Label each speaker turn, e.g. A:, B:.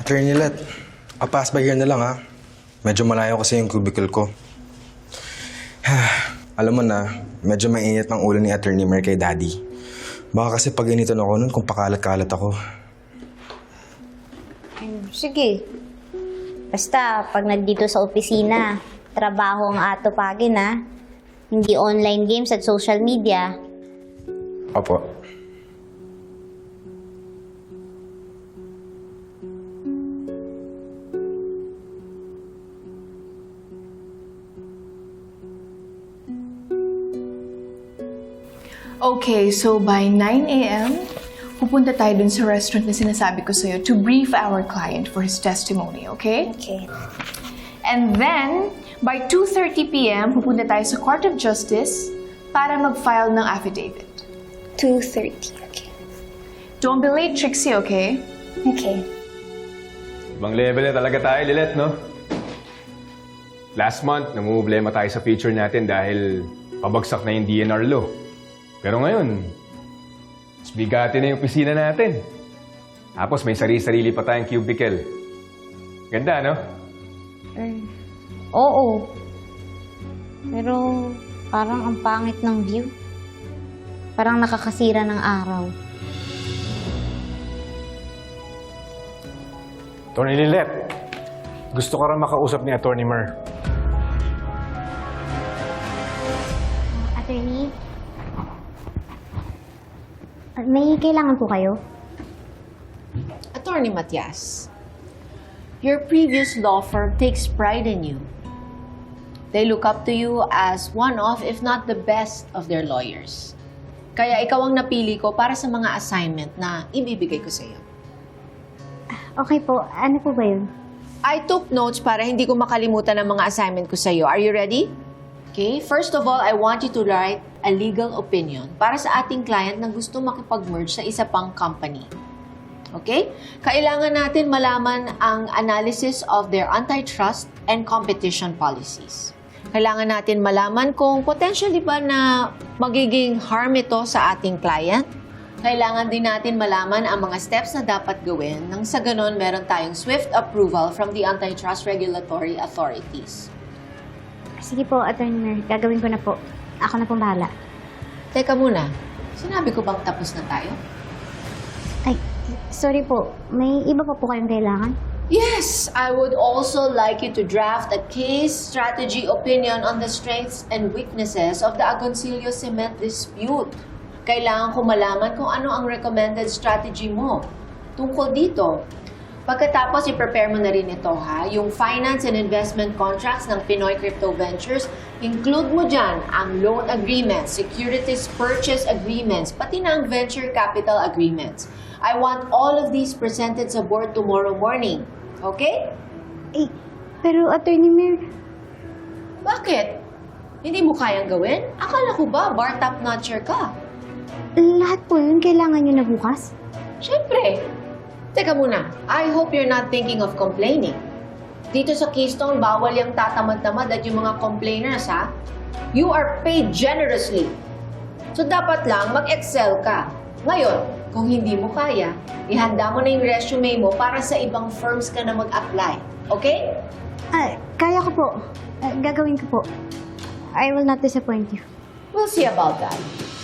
A: Attorney Let, pass by here na lang ha. Medyo malayo kasi yung cubicle ko. Alam mo na, medyo mainit ng ulo ni Attorney Mer kay Daddy. Baka kasi pag initan ako nun kung pakalat-kalat ako.
B: Sige. Basta, pag nandito sa opisina, trabaho ang atupagin ha. Hindi online games at social media.
A: Opo.
C: Okay, so by 9 a.m., pupunta tayo dun sa restaurant na sinasabi ko sa'yo to brief our client for his testimony, okay?
B: Okay.
C: And then, by 2:30 p.m., pupunta tayo sa Court of Justice para mag-file ng affidavit.
B: 2:30, okay.
C: Don't be late, Trixie, okay?
B: Okay.
D: Ibang level na talaga tayo, Lilet, no? Last month, namumblema tayo sa feature natin dahil pabagsak na yung DNR law. Pero ngayon, mas bigati na yung opisina natin. Tapos may sarili-sarili pa tayong cubicle. Ganda, no?
B: Oo. Pero parang ang pangit ng view. Parang nakakasira ng araw.
E: Attorney Lilet, gusto ka rin makausap ni Attorney Mer.
B: Attorney? May kailangan po kayo?
F: Attorney Matias, your previous law firm takes pride in you. They look up to you as one of, if not the best of their lawyers. Kaya ikaw ang napili ko para sa mga assignment na ibibigay ko sa iyo.
B: Okay po. Ano po ba yun?
F: I took notes para hindi ko makalimutan ang mga assignment ko sa iyo. Are you ready? Okay, first of all, I want you to write a legal opinion para sa ating client na gusto makipag-merge sa isa pang company. Okay? Kailangan natin malaman ang analysis of their antitrust and competition policies. Kailangan natin malaman kung potentially ba na magiging harm ito sa ating client. Kailangan din natin malaman ang mga steps na dapat gawin nang sa ganon meron tayong swift approval from the antitrust regulatory authorities.
B: Sige po, Attorney Mer. Gagawin ko na po. Ako na pong bahala.
F: Teka muna, sinabi ko bang tapos na tayo?
B: Ay, sorry po. May iba pa po kayong kailangan?
F: Yes, I would also like you to draft a case strategy opinion on the strengths and weaknesses of the Agoncillo Cement dispute. Kailangan ko malaman kung ano ang recommended strategy mo tungkol dito. Pagkatapos, i-prepare mo na rin ito, ha? Yung finance and investment contracts ng Pinoy Crypto Ventures, include mo dyan ang loan agreements, securities purchase agreements, pati na ang venture capital agreements. I want all of these presented sa board tomorrow morning. Okay?
B: Eh, pero Attorney Mer,
F: Bakit? Hindi mo kayang gawin? Akala ko ba bar top notcher ka?
B: lahat po yun kailangan nyo na bukas?
F: Siyempre. Teka muna, I hope you're not thinking of complaining. Dito sa Keystone, bawal yung tatamad-tamad at yung mga complainers, ha? You are paid generously. So dapat lang mag-excel ka. Ngayon, kung hindi mo kaya, ihanda mo na yung resume mo para sa ibang firms ka na mag-apply. Okay?
B: Kaya ko po. Gagawin ko po. I will not disappoint you.
F: We'll see about that.